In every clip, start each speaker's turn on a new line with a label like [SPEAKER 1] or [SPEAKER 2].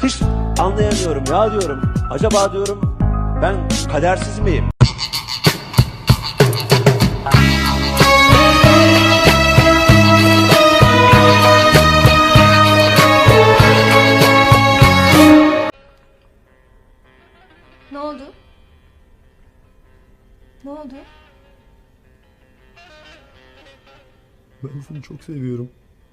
[SPEAKER 1] Hiç anlayamıyorum ya diyorum. Acaba diyorum ben kadersiz miyim?
[SPEAKER 2] Ne oldu? Ne oldu?
[SPEAKER 3] Ben seni çok seviyorum.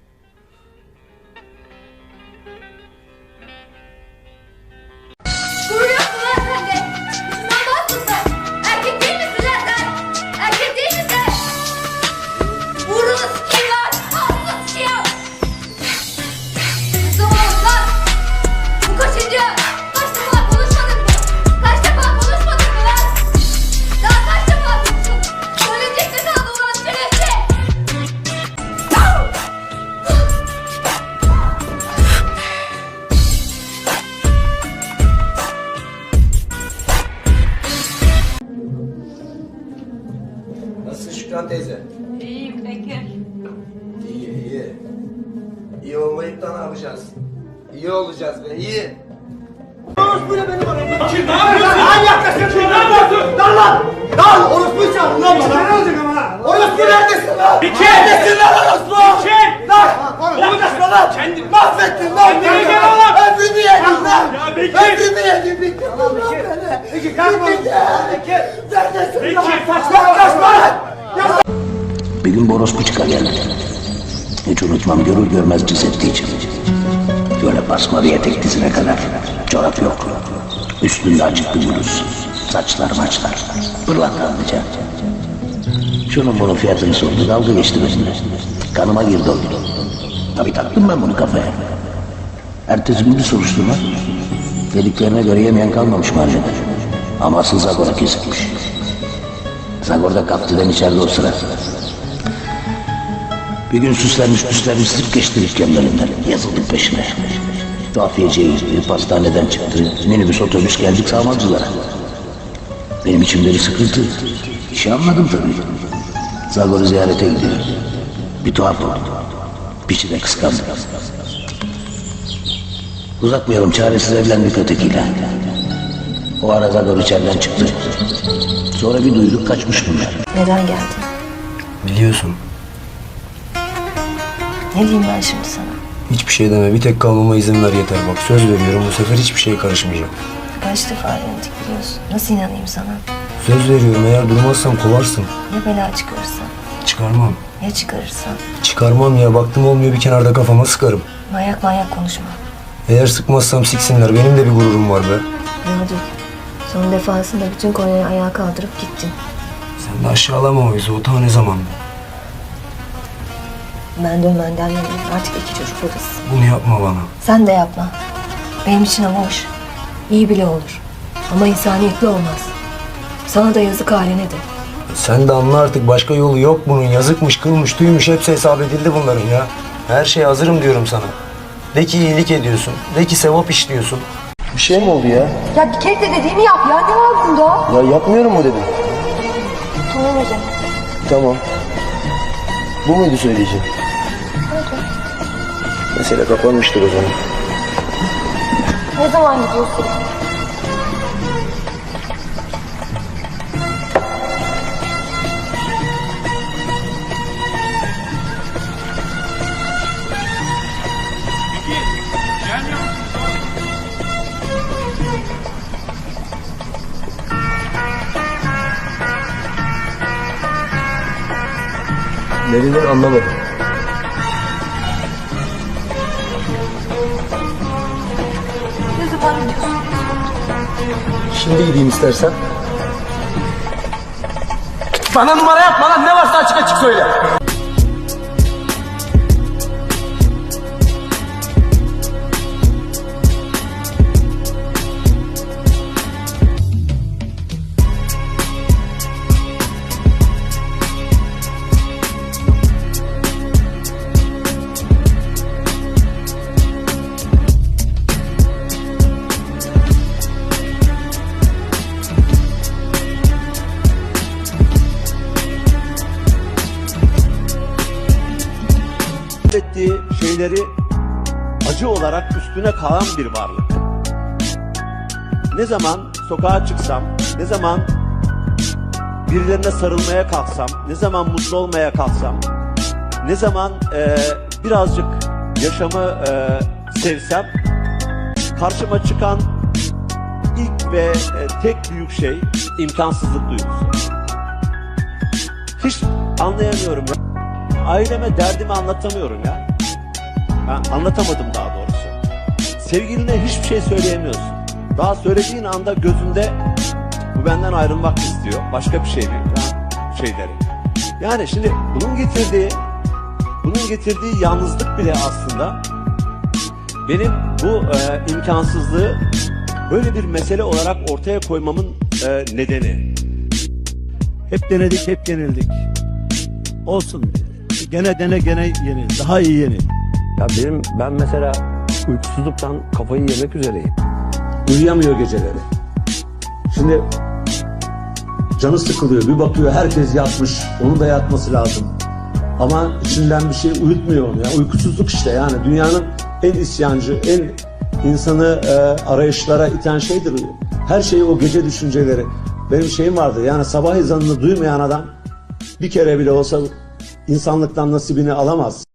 [SPEAKER 2] Vuruyorsun lan sen de! Şundan bahsediyorsun! Erkek değil misin lan sen? Erkek değil misin? Vurunu sikeyim lan! Ağzını sikeyim! Tamam lan! Bu kaçıncı? Kaç defa konuşmadık mı? Kaç defa konuşmadık mı lan? Daha kaç defa konuştuk? Söyleyecek de kaldı ulan şerefsiz!
[SPEAKER 4] Nasılsın Şükran teyze?
[SPEAKER 2] İyiyim Bekir.
[SPEAKER 4] İyi, iyi. İyi olmayıp da ne yapacağız? İyi olacağız be, iyi. Orospu ne benim aramda? Kim ne yapıyorsun? Lan yaklaşık! Kim ne yapıyorsun? Lan! Lan! Orospu çağırın lan bana! Ne olacak ama lan? Orospu neredesin lan?
[SPEAKER 5] Bekir!
[SPEAKER 4] Neredesin lan orospu?
[SPEAKER 5] Bekir!
[SPEAKER 4] Lan! Konuşma lan! Mahvettin lan!
[SPEAKER 5] Kendine gel oğlum!
[SPEAKER 4] Ömrümü yedin lan!
[SPEAKER 5] Ya Bekir!
[SPEAKER 4] Ömrümü yedin! Bitti lan beni! Bekir kalma! Bekir! Neredesin lan?
[SPEAKER 5] Bekir saçma!
[SPEAKER 4] Yaklaşma lan!
[SPEAKER 6] Bir gün Borospu çıkar geldi. Hiç unutmam, görür görmez cız etti içim. Böyle basmalı etek dizine kadar. Çorap yok. Üstünde açık bir bluz. Saçlar maçlar. Pırlantanlıca. Şunun bunun fiyatını sordu. Dalga geçti benimle. Kanıma girdi o. Tabii taktım ben bunu kafaya. Ertesi gün bir soruşturma. Dediklerine göre yemeyen kalmamış mahallede. Ama asıl Zagor'a kesilmiş. Zagor'da kaptıdan içeride o sıra. Bir gün süslenmiş zıp geçti dükkanın önünden. Yazıldık peşine. Tuhafiyeciye gitti, pastaneden çıktı. Minibüs otobüs geldik sağmakçılara. Benim içimde bir sıkıntı. Bir şey anladım tabii. Zagor'u ziyarete gidiyor. Bir tuhaf oldu. Piçi de kıskandı. Uzatmayalım, çaresiz evlendik ötekiyle. O ara Zagor içeriden çıktı. Sonra bir duyduk kaçmış bunlar.
[SPEAKER 7] Neden geldin?
[SPEAKER 3] Biliyorsun.
[SPEAKER 7] Ne diyeyim ben şimdi sana?
[SPEAKER 3] Hiçbir şey deme. Bir tek kalmama izin ver yeter. Bak söz veriyorum, bu sefer hiçbir şeye karışmayacağım.
[SPEAKER 7] Kaç defa denedik biliyorsun. Nasıl inanayım sana?
[SPEAKER 3] Söz veriyorum, eğer durmazsan kovarsın.
[SPEAKER 7] Ya bela çıkarırsa?
[SPEAKER 3] Çıkarmam.
[SPEAKER 7] Ya çıkarırsa?
[SPEAKER 3] Çıkarmam ya, baktım olmuyor bir kenarda kafama sıkarım.
[SPEAKER 7] Manyak manyak konuşma.
[SPEAKER 3] Eğer sıkmazsam siksinler, benim de bir gururum var be.
[SPEAKER 7] Gördük. Son defasında bütün Konya'yı ayağa kaldırıp gittin.
[SPEAKER 3] Sen de aşağılama o yüzü, o ta ne zaman?
[SPEAKER 7] Ben dönmenden yanayım. Artık iki çocuk babası.
[SPEAKER 3] Bunu yapma bana.
[SPEAKER 7] Sen de yapma. Benim için ama hoş. İyi bile olur. Ama insaniyetli olmaz. Sana da yazık haline de.
[SPEAKER 3] Sen de anla artık, başka yolu yok bunun. Yazıkmış, kılmış, tüymüş, hepsi hesap edildi bunların ya. Her şeye hazırım diyorum sana. De ki iyilik ediyorsun, de ki sevap işliyorsun. Bir şey mi oldu ya?
[SPEAKER 7] Ya bir kere de dediğimi yap ya. Ne var bunda?
[SPEAKER 3] Ya yapmıyorum mu dedim?
[SPEAKER 7] Tamam hocam.
[SPEAKER 3] Tamam. Bu muydu söyleyeceğim? Mesele kapanmıştır o zaman.
[SPEAKER 7] Ne zaman gidiyorsun?
[SPEAKER 5] Gelmiyor musun?
[SPEAKER 3] Ne dedin anlamadım.
[SPEAKER 7] Ne zaman gidiyorsun?
[SPEAKER 3] Şimdi gideyim istersen.
[SPEAKER 5] Bana numara yapma lan, ne varsa açık açık söyle.
[SPEAKER 1] Ettiği şeyleri acı olarak üstüne kalan bir varlık. ne zaman sokağa çıksam, ne zaman birilerine sarılmaya kalksam, ne zaman mutlu olmaya kalksam, ne zaman birazcık yaşamı sevsem, karşıma çıkan ilk ve tek büyük şey imkansızlık duygusu. Hiç anlayamıyorum ya. Aileme derdimi anlatamıyorum ya. Ben anlatamadım daha doğrusu. Sevgiline hiçbir şey söyleyemiyorsun. Daha söylediğin anda gözünde bu benden ayrılmak istiyor. Başka bir şey mi? Şeyleri. Yani şimdi bunun getirdiği yalnızlık bile aslında benim bu imkansızlığı böyle bir mesele olarak ortaya koymamın nedeni.
[SPEAKER 8] Hep denedik, hep yenildik. Olsun. Gene dene, gene yenil. Daha iyi yenil.
[SPEAKER 1] Ya ben mesela uykusuzluktan kafayı yemek üzereyim. Uyuyamıyor geceleri. Şimdi canı sıkılıyor. Bir bakıyor herkes yatmış. Onun da yatması lazım. Ama içinden bir şey uyutmuyor onu ya. Uykusuzluk işte yani. Dünyanın en isyancı, en insanı arayışlara iten şeydir. Her şey o gece düşünceleri. Benim şeyim vardı yani sabah ezanını duymayan adam bir kere bile olsa insanlıktan nasibini alamaz.